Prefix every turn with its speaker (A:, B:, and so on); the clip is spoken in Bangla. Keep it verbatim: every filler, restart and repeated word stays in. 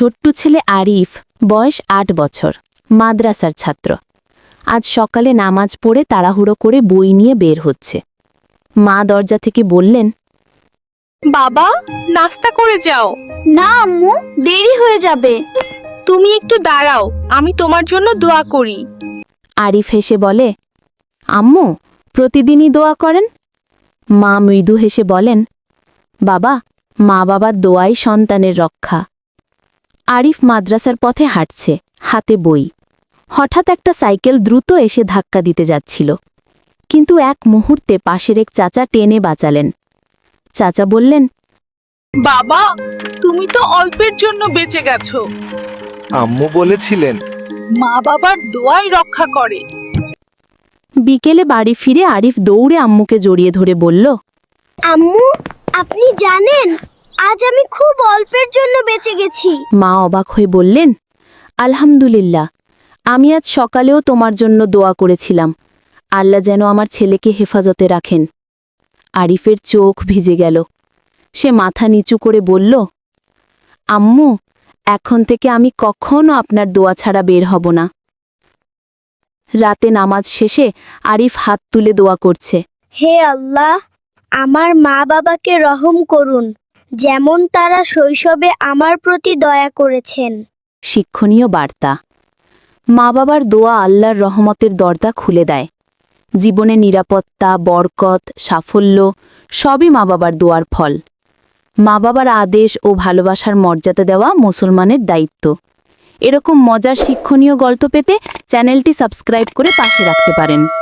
A: ছোট্ট ছেলে আরিফ, বয়স আট বছর, মাদ্রাসার ছাত্র। আজ সকালে নামাজ পড়ে তাড়াহুড়ো করে বই নিয়ে বের হচ্ছে। মা দরজা থেকে বললেন,
B: বাবা, নাস্তা করে যাও।
C: না আম্মু, দেরি হয়ে যাবে।
B: তুমি একটু দাঁড়াও, আমি তোমার জন্য দোয়া করি।
A: আরিফ হেসে বলে, আম্মু, প্রতিদিনই দোয়া করেন? মা মৃদু হেসে বলেন, বাবা, মা বাবার দোয়াই সন্তানের রক্ষা। আরিফ মাদ্রাসার পথে হাঁটছে, হাতে বই। হঠাৎ একটা সাইকেল দ্রুত এসে ধাক্কা দিতে যাচ্ছিল, কিন্তু এক মুহূর্তে পাশের এক চাচা টেনে বাঁচালেন। চাচা বললেন,
B: বাবা, তুমি তো অল্পের জন্য বেঁচে গেছো।
D: আম্মু বলেছিলেন,
B: মা বাবার দোয়াই রক্ষা করে।
A: বিকেলে বাড়ি ফিরে আরিফ দৌড়ে আম্মুকে জড়িয়ে ধরে বলল,
C: আম্মু, আপনি জানেন আজ আমি খুব অল্পের জন্য বেঁচে গেছি।
A: মা অবাক হয়ে বললেন, আলহামদুলিল্লাহ, আমি আজ সকালেও তোমার জন্য দোয়া করেছিলাম, আল্লাহ যেন আমার ছেলেকে হেফাজতে রাখেন। আরিফের চোখ ভিজে গেল। সে মাথা নিচু করে বলল, আম্মু, এখন থেকে আমি কখনো আপনার দোয়া ছাড়া বের হব না। রাতে নামাজ শেষে আরিফ হাত তুলে দোয়া করছে,
C: হে আল্লাহ, আমার মা বাবাকে রহম করুন, যেমন তারা শৈশবে আমার প্রতি দয়া করেছেন।
A: শিক্ষণীয় বার্তা। মা বাবার দোয়া আল্লাহর রহমতের দরজা খুলে দেয়। জীবনে নিরাপত্তা, বরকত, সাফল্য সবই মা বাবার দোয়ার ফল। মা বাবার আদেশ ও ভালোবাসার মর্যাদা দেওয়া মুসলমানের দায়িত্ব। এরকম মজার শিক্ষণীয় গল্প পেতে চ্যানেলটি সাবস্ক্রাইব করে পাশে রাখতে পারেন।